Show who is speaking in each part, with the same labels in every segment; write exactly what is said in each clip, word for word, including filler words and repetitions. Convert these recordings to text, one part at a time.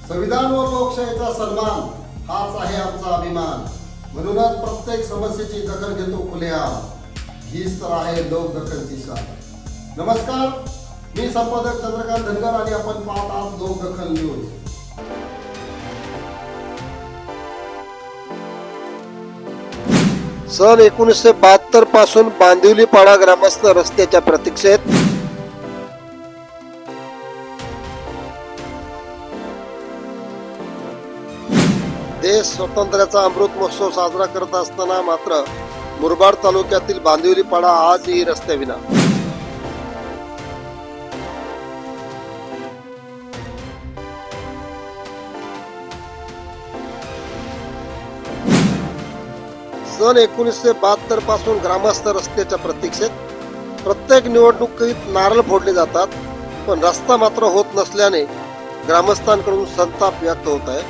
Speaker 1: संविधान व लोकशाहीचा सन्मान हाच आहे आमचा अभिमान. म्हणूनच प्रत्येक समस्येची दखल घेतो खुलेआम. हीच तर आहे लोकदखलची शान. नमस्कार, मी संपादक चंद्रकांत धनगर आणि आपण पाहत आहात लोकदखल न्यूज. सन एकोणीसशे बहात्तर पासून बांदिवली पाडा ग्रामस्थ रस्त्याच्या प्रतीक्षेत. देश स्वातंत्र्याचा अमृत महोत्सव साजरा करत असताना मात्र मुरबाड तालुक्यातील बांदिवली पाडा आजही रस्त्याविना. सन एकोणीसशे बहात्तर पासून ग्रामस्थ रस्त्याच्या प्रतीक्षेत. प्रत्येक निवडणुकीत नारळ फोडले जातात, पण रस्ता मात्र होत नसल्याने ग्रामस्थांकडून संताप व्यक्त होत आहे.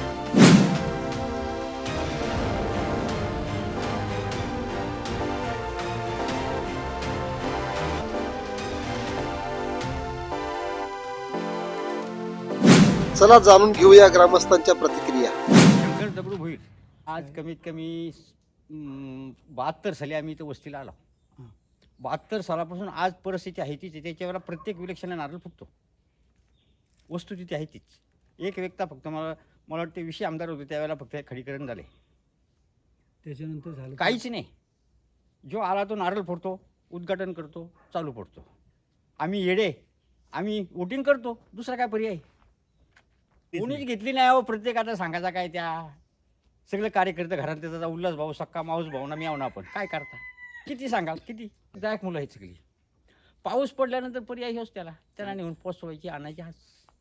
Speaker 1: चला जाणून घेऊया ग्रामस्थांच्या प्रतिक्रिया.
Speaker 2: शंकर दगडू भोईर आज कमीत कमी बहात्तर साली आम्ही इथं वस्तीला आलो. बहात्तर सालापासून आज परिस्थिती आहे तीच. त्याच्या वेळेला प्रत्येक विलक्षण नारळ फुटतो. वस्तू तिथे आहे तीच. एक व्यक्ता फक्त मला मला वाटते विषय आमदार होते त्यावेळेला फक्त खडीकरण झाले,
Speaker 3: त्याच्यानंतर झालं
Speaker 2: काहीच नाही. जो आला तो नारळ फोडतो, उद्घाटन करतो, चालू पडतो. आम्ही येडे, आम्ही वोटिंग करतो, दुसरा काय पर्याय कोणीच घेतली नाही. हो प्रत्येकाचा सांगायचा काय, त्या सगळे कार्यकर्ते घरात त्याचा उल्हास भाऊ, सक्का माऊस भाऊ ना मी आहो ना आपण काय करता, किती सांगाल, किती दायक मुलं आहेत सगळी. पाऊस पडल्यानंतर पर्याय होच त्याला त्याला नेऊन पोचवायची, आणायची. आज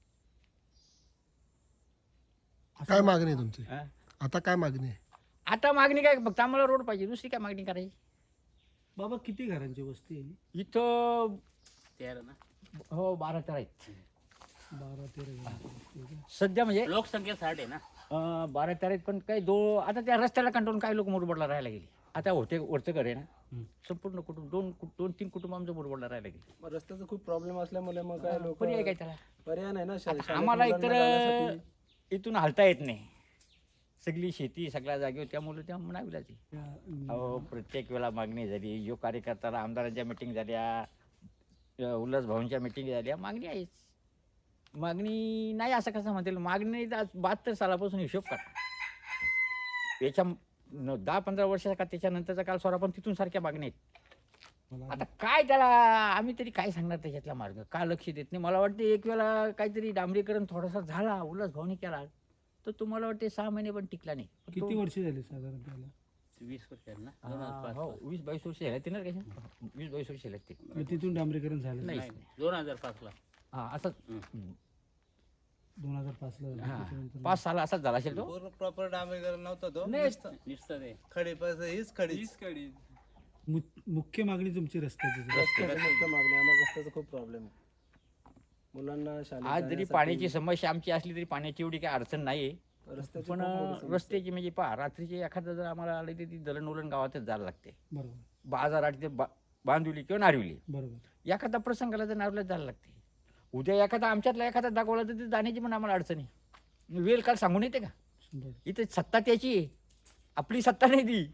Speaker 1: काय मागणी आहे तुमची?
Speaker 2: हा?
Speaker 1: आता काय मागणी आहे?
Speaker 2: आता मागणी काय, फक्त आम्हाला रोड पाहिजे, दुसरी काय मागणी करायची.
Speaker 3: बाबा किती घरांची वस्ती आहे?
Speaker 2: इथं तेरा ना, हो बारा तेरा आहेत
Speaker 3: बारा तेरा घरांची वस्ती आहे का?
Speaker 2: सध्या. म्हणजे
Speaker 4: लोकसंख्या साठ आहे ना.
Speaker 2: अं, बारा तेरा आहेत, पण काही दो आता त्या रस्त्याला कंटाळून काही लोक मुरबाडला राहायला गेले. आता होते वरचं घर आहे ना, संपूर्ण कुटुंब दोन दोन तीन कुटुंब आमचं मुरबाडला राहायला गेले.
Speaker 5: मग रस्त्याचा खूप प्रॉब्लेम असल्यामुळे मग काय लोक
Speaker 2: पर्याय काय त्याला?
Speaker 5: पर्याय नाही ना. शा-
Speaker 2: आता
Speaker 5: शाळेत
Speaker 2: आम्हाला
Speaker 5: मुलांना
Speaker 2: एकतर
Speaker 5: जाण्यासाठी.
Speaker 2: इथून हलता येत नाही. सगळी शेती सगळ्या जागेवर, त्यामुळे त्या म्हणावी ती.
Speaker 3: त्या, अं,
Speaker 2: अहो प्रत्येक वेळा मागणी झाली. जो कार्यकर्त्याला आमदारांच्या मिटिंग झाल्या, उल्हास भाऊंच्या मिटिंग झाल्या, मागणी आहेच. मागणी नाही असं कसं म्हणतील. मागणी आज बहात्तर सालापासून हिशोब करा. याच्या न- दहा पंधरा वर्षाचा का त्याच्यानंतरचा काल सोडा, पण तिथून सारख्या मागण्या आहेत.
Speaker 3: मला
Speaker 2: आता काय त्याला आम्ही तरी काय सांगणार त्याच्यातला मार्ग, का लक्ष देत नाही. मला वाटते एक वेळा काहीतरी डांबरीकरण थोडासा झाला, उल्हास भाऊनी केला, तर तुम्हाला वाटते सहा महिने पण टिकला नाही. पण
Speaker 3: किती
Speaker 2: तो-
Speaker 3: वर्ष झाली साधारण त्याला?
Speaker 4: वीस वर्ष आहे ना. दोन हजार
Speaker 2: हा,
Speaker 4: पाच
Speaker 2: हो
Speaker 4: ला.
Speaker 2: वीस बावीस वर्ष झाले ते ना कशा वीस बावीस वर्ष झाले ते.
Speaker 3: मग तिथून डांबरीकरण झालं
Speaker 2: नाही.
Speaker 4: नाही, नाही. दोन हजार पाच ला.
Speaker 2: हा असं
Speaker 4: हम्म.
Speaker 3: दोन हजार पाच ला झालं.
Speaker 2: हा
Speaker 3: त्याच्यानंतर
Speaker 2: पाच साला असाच झाला असेल तो.
Speaker 6: पूर्ण प्रॉपर डांबरीकरण नव्हता तो.
Speaker 2: नाही.
Speaker 4: नुसतं ते
Speaker 6: खडी पास हीच खडी.
Speaker 3: मु- मुख्य मागणी तुमची रस्त्याची आहे.
Speaker 5: रस्त्याची मुख्य मागणी आहे. आम्हाला रस्त्याचा खूप प्रॉब्लेम आहे. मुलांना शाळेत
Speaker 2: आज जरी
Speaker 5: जाण्यासाठी
Speaker 2: पाण्याची समस्या आमची असली तरी पाण्याची एवढी काही अडचण नाही.
Speaker 5: रस्त्याची
Speaker 2: पण
Speaker 5: खूप मोठी समस्या आहे.
Speaker 2: रस्त्याची म्हणजे पहा, रात्रीचे एखादं जर आम्हाला आले तर ती दळण उलण गावातच जायला लागते.
Speaker 3: बरोबर
Speaker 2: बाजारात ते बा बांधवली किंवा नारविली,
Speaker 3: बरोबर.
Speaker 2: एखादा प्रसंगाला तर नारवल्याच जायला लागते. उद्या एखादा आमच्यातला एखादा दाखवला तर ते जाण्याची पण आम्हाला अडचण आहे. वेळ काल सांगून येते का?
Speaker 3: शंभर.
Speaker 2: इथे सत्ता त्याची आहे, आपली सत्ता नाही ती.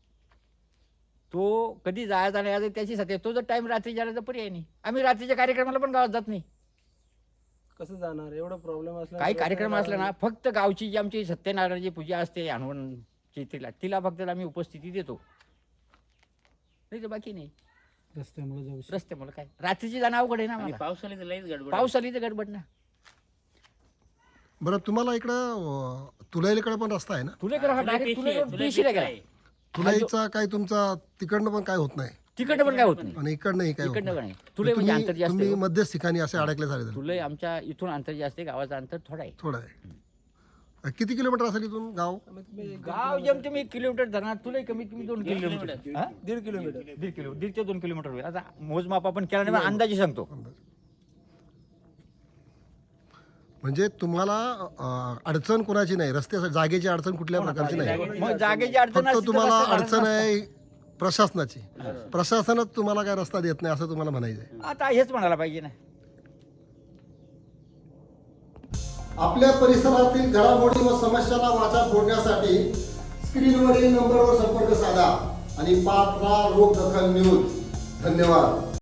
Speaker 2: तो कधी जायचा नाही यायचा त्याची सत्ता आहे. तो जर टाइम रात्री झाला तर पर्याय नाही. आम्ही रात्रीच्या कार्यक्रमाला पण गावात जात नाही.
Speaker 5: कसं जाणार एवढं प्रॉब्लेम असला.
Speaker 2: काही कार्यक्रम असला ना, फक्त गावची जी आमची सत्यनारायणाची पूजा असते हनुमानची, तिला तिला फक्त आम्ही उपस्थिती देतो, नाही तर बाकी नाही.
Speaker 3: रस्त्यामुळे जाऊ शकतो.
Speaker 2: रस्त्यामुळे काय रात्रीची जाणं अवघड आहे ना.
Speaker 4: आणि
Speaker 2: मला
Speaker 4: पावसाळ्यात लईच गडबड.
Speaker 2: पाऊस आली तर गडबड ना.
Speaker 1: बरं, तुम्हाला इकडं तुलाईकडे पण रस्ता आहे ना?
Speaker 2: तुला करा
Speaker 4: तुला
Speaker 2: डायरेक्ट
Speaker 4: पेशी आहे,
Speaker 2: तुला
Speaker 4: तुला
Speaker 2: पेशीला
Speaker 4: पेशी
Speaker 2: गेला.
Speaker 4: आहे.
Speaker 1: तुलाईचा काय तुमचा तिकडनं पण काय होत नाही
Speaker 2: तिकडनं पण काय होत नाही.
Speaker 1: आणि इकडनंही काय होत
Speaker 2: इकडनं
Speaker 1: नाही.
Speaker 2: पण नाही. तुला म्हणजे अंतर
Speaker 1: तुम्ही
Speaker 2: जास्त
Speaker 1: तुम्ही
Speaker 2: आहे.
Speaker 1: मध्यस्थ ठिकाणी असे अडकले झाले
Speaker 2: तुला आमच्या इथून अंतर जास्त आहे, गावाचं अंतर थोडं आहे.
Speaker 1: थोडं आहे. किती किलोमीटर असेल इथून गाव?
Speaker 5: कमीत कमी एक
Speaker 2: गाव जेम तुम्ही एक किलोमीटर धरणार, तुला कमीत कमी दोन किलोमीटर. हा?
Speaker 5: दीड किलोमीटर.
Speaker 2: दीड किलो दीड ते दोन किलोमीटर होईल. आता मोजमाप आपण केला नाही, पण अंदाजे सांगतो.
Speaker 1: म्हणजे तुम्हाला अं, अडचण कोणाची नाही, रस्त्या जागेची अडचण कुठल्या प्रकारची नाही.
Speaker 2: मग जागेची अडचण
Speaker 1: फक्त
Speaker 2: असती तर
Speaker 1: तुम्हाला
Speaker 2: रस्ता
Speaker 1: अडचण
Speaker 2: झालाच
Speaker 1: आहे प्रशासनाची. प्रशासनच तुम्हाला काय रस्ता देत नाही असं तुम्हाला म्हणायचं आहे.
Speaker 2: नसता. आता हेच म्हणायला पाहिजे ना.
Speaker 1: आपल्या परिसरातील घडामोडी व समस्यांना वाचा फोडण्यासाठी स्क्रीनवरील नंबरवर संपर्क साधा आणि पात्रा रोग दखल न्यूज. धन्यवाद.